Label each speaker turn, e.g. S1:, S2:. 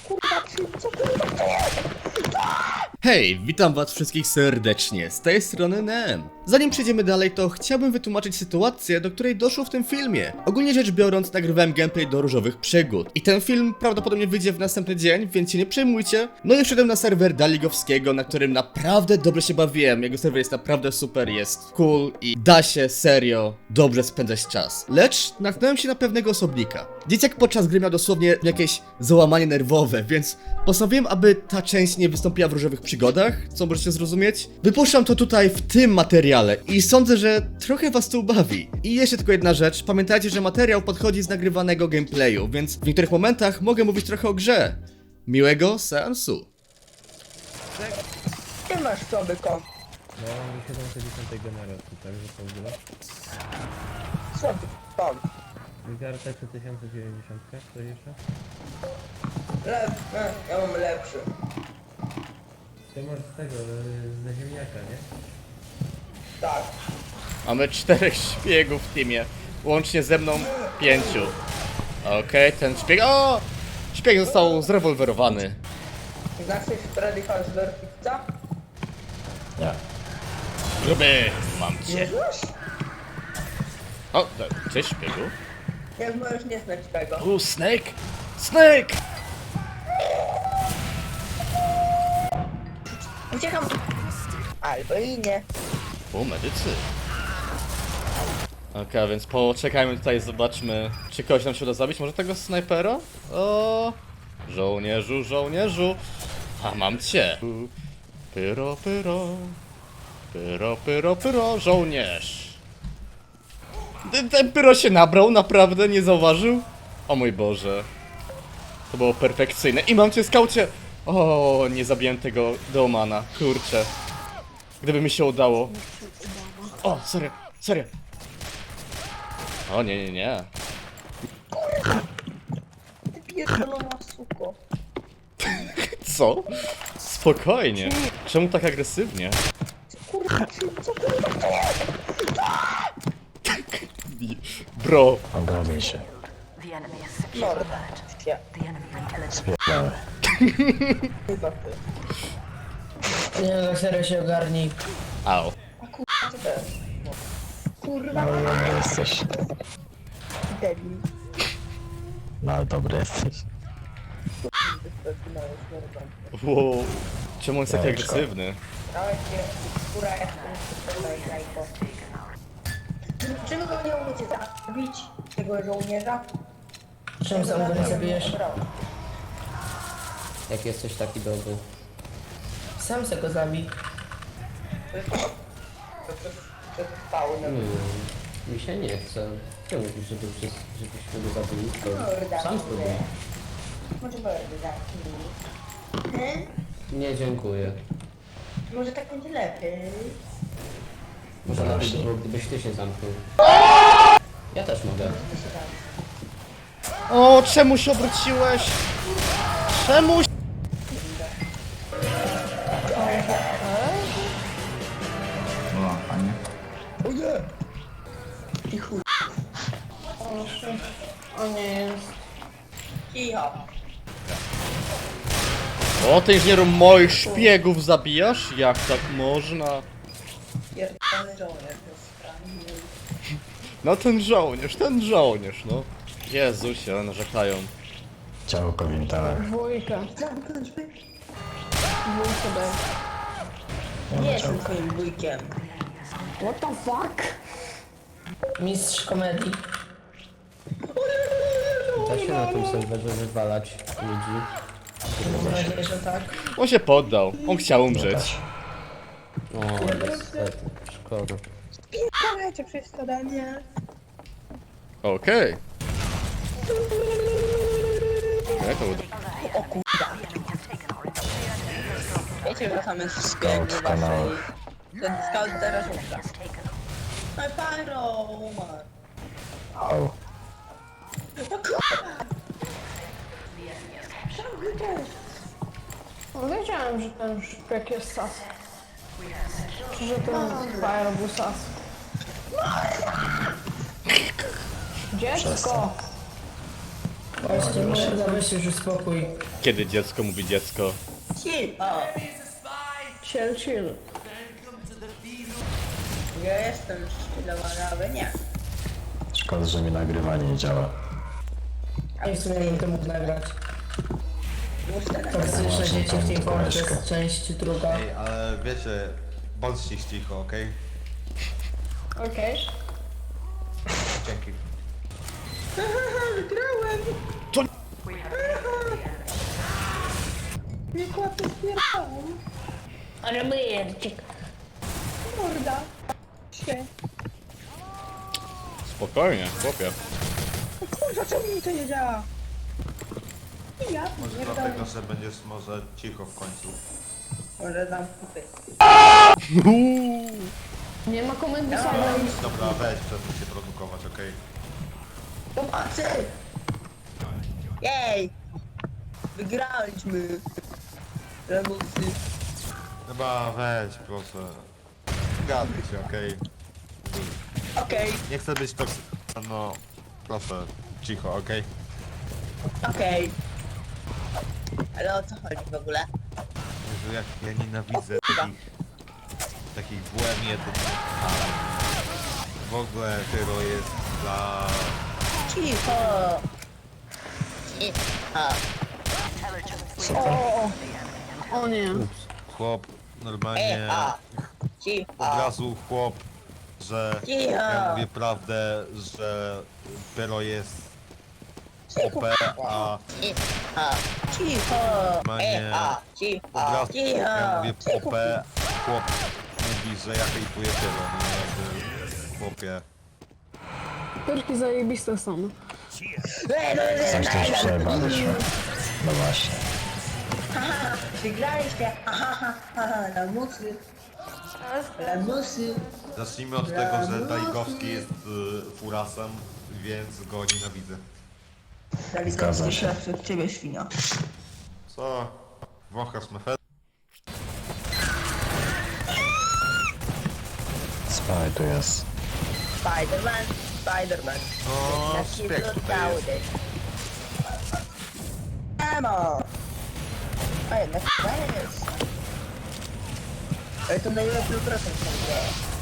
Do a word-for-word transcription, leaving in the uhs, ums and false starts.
S1: kurwa, czy co kurwa to jest?
S2: Hej, witam was wszystkich serdecznie, z tej strony Nem. Zanim przejdziemy dalej, to chciałbym wytłumaczyć sytuację, do której doszło w tym filmie. Ogólnie rzecz biorąc, nagrywałem gameplay do Różowych Przygód. I ten film prawdopodobnie wyjdzie w następny dzień, więc się nie przejmujcie. No i wszedłem na serwer Daligowskiego, na którym naprawdę dobrze się bawiłem. Jego serwer jest naprawdę super, jest cool i da się serio dobrze spędzać czas. Lecz natknąłem się na pewnego osobnika. Dzieciak podczas gry miał dosłownie jakieś załamanie nerwowe, więc postanowiłem, aby ta część nie wystąpiła w Różowych Przygodach, co możecie zrozumieć. Wypuszczam to tutaj w tym materiale i sądzę, że trochę was to ubawi. I jeszcze tylko jedna rzecz, pamiętajcie, że materiał podchodzi z nagrywanego gameplayu, więc w niektórych momentach mogę mówić trochę o grze. Miłego seansu.
S1: Ty masz sobie ko.
S3: No, ja mam siedemset dziesiąt generacji, także to w ogóle.
S1: Co ty tam?
S3: Wygarta trzy tysiące dziewięćdziesiąt, co jeszcze?
S1: Lep, e, ja mam lepszy.
S3: Ty masz z tego, y, ze ziemniaka, nie?
S1: Tak.
S2: Mamy czterech szpiegów w teamie, łącznie ze mną pięciu. Okej, ten szpieg... O! Szpieg został zrewolwerowany.
S1: Znasz coś Freddy Fazbear Pizza?
S3: Nie.
S2: Gruby, mam
S1: Nie
S2: cię.
S1: znasz?
S2: O, cześć szpiegu.
S1: Jak możesz nie znać tego?
S2: U, Snake! Snake!
S1: Uciekam. Albo i nie.
S2: U, medycy. Okej, a więc poczekajmy tutaj, zobaczmy, czy kogoś nam się uda zabić. Może tego snajpera? O, żołnierzu, żołnierzu. A mam cię. Pyro, pyro. Pyro, pyro, pyro, żołnierz. Ten, ten pyro się nabrał, naprawdę nie zauważył? O mój Boże. To było perfekcyjne. I mam cię, skaucie! O, nie zabiłem tego Deomana, kurczę. Gdyby mi się udało. O, serio, serio. O, nie, nie, nie.
S1: Ty pierdolona suko.
S2: Co? Spokojnie. Czemu tak agresywnie?
S1: Kurwa, czy co kurwa to jest?
S2: Bro.
S4: Ogarnij się.
S1: Morda. Ja.
S4: Spierdalaj.
S1: Chyba ty.
S5: Nie, na serio się ogarnij.
S2: Au.
S1: A kurwa, co to jest? Kurwa,
S4: No nie jesteś.
S1: debil.
S4: No ale dobry jesteś.
S2: Wow. Czemu on jest taki
S4: Jajeczko.
S2: agresywny?
S1: Dałeś się, kurwa, jak to jajko. Czym go nie umiecie zabić? Tego żołnierza?
S5: Czym sam go nie zabijesz?
S3: Jak jesteś taki dobry.
S5: Sam se go zabij.
S1: To jest to, to jest fauna.
S3: Mi się nie chce. Czemu mówisz, żeby wszyscy, żebyśmy go zabili?
S1: Morda.
S3: To sam spróbuj.
S1: Może mordy zamknij. Hmm?
S3: Nie, dziękuję.
S1: Może tak będzie lepiej.
S3: Może lepiej by
S4: Właśnie.
S3: było, gdybyś ty się zamknął. Ja też mogę.
S2: O, czemu się obróciłeś? Czemu?
S4: No, a nie?
S1: O nie! I chuj.
S5: O nie jest.
S1: Cicho.
S2: O, ty inżynieru moich szpiegów zabijasz? Jak tak można?
S1: Pierdolony żołnierz jest sprawny.
S2: No ten żołnierz, ten żołnierz, no. Jezusie, narzekają.
S4: Działko wintale.
S5: Dwójka.
S1: Zamknąć by?
S5: Dwójka B.
S1: Nie jestem twoim wujkiem.
S5: What the fuck? Mistrz komedii.
S3: Da się na tym serwerze wywalać ludzi.
S5: Mam nadzieję, że tak.
S2: On się poddał, on chciał umrzeć.
S3: O, niestety. Szkoda.
S1: Spierdalajcie przez zadanie.
S2: Okej. Jak to uda?
S1: O kurwa. Wiecie, że tam jest
S4: Scout
S1: szpieg
S4: w
S1: w
S4: kanałach.
S1: waszej... Ten scout teraz umrze. No i pyro umarł.
S4: Au.
S1: No kurwa. Ciągle też.
S5: No, wiedziałem, że ten szpieg jest sas. Czy że ten Fire był sas. Dziecko! Właśnie, morda, weź już spokój.
S2: Kiedy dziecko mówi dziecko.
S1: Chill! O!
S5: Chill, chill.
S1: Ja jestem szczylowana, ale nie.
S4: Szkoda, że mi nagrywanie nie działa.
S5: A w sumie bym to mógł nagrać.
S1: Muszę nagrać.
S5: Toksyczne
S4: właśnie
S5: dzieci w
S4: tą
S5: tej formie to
S4: koleżkę.
S5: jest część druga.
S6: Ej, ale wiecie, bądźcie cicho, okej?
S5: Okej.
S6: Dzięki.
S1: Wygrałem!
S2: To-
S1: Nie kłapę spierałem.
S5: Ale myjerczyk.
S1: Morda. Się.
S2: Spokojnie, chłopie.
S1: O kurwa, czemu mi to nie działa? I ja
S6: Może
S1: pierdolę.
S6: dlatego, że będziesz może cicho w końcu.
S1: Może dam kupy.
S5: Nie ma komendy silent.
S6: Dobra, weź, przestań się produkować, okej?
S1: Pomocy! Jej! Wygraliśmy! Remusy.
S6: Chyba weź, proszę. Gadaj się, okej?
S1: Okej,
S6: Nie chcę być toksy... No, proszę, cicho, okej?
S1: okej. Ale o co chodzi w ogóle?
S6: Jezu, jak ja nienawidzę takich... Takich błędnych. W ogóle Tyro jest dla...
S1: Cicho! Cicho!
S5: O, o nie.
S6: Chłop normalnie...
S1: Cicho!
S6: Od
S1: Cicho!
S6: razu chłop, że...
S1: Cicho!
S6: Ja mówię prawdę, że Tyro jest O P, a
S1: Cicho! Cicho!
S6: Normalnie
S1: Cicho!
S6: od razu
S1: Cicho!
S6: ja mówię
S1: Cicho!
S6: O P, chłop mówi, że ja hejtuję Tyro, no jakby chłopie.
S5: Perki zajebiste są.
S1: Ej, no,
S4: Coś też przejebaliśmy. No właśnie.
S1: Haha, wygraliście! Aha, ha, ha, ha, lamusy! Lamusy!
S6: Zacznijmy od tego, że Daligowski jest y, furasem, więc go nienawidzę.
S4: Zgadza się.
S1: Od ciebie, świnia.
S6: Co? Wąchasz mefet?
S4: Spaj tu jest.
S1: Spider-Man, Spider-Man.
S6: No,
S1: Taki
S6: szpieg tutaj jest.
S1: brudny. Emo! A jednak to jest. Ale to najlepszy procent.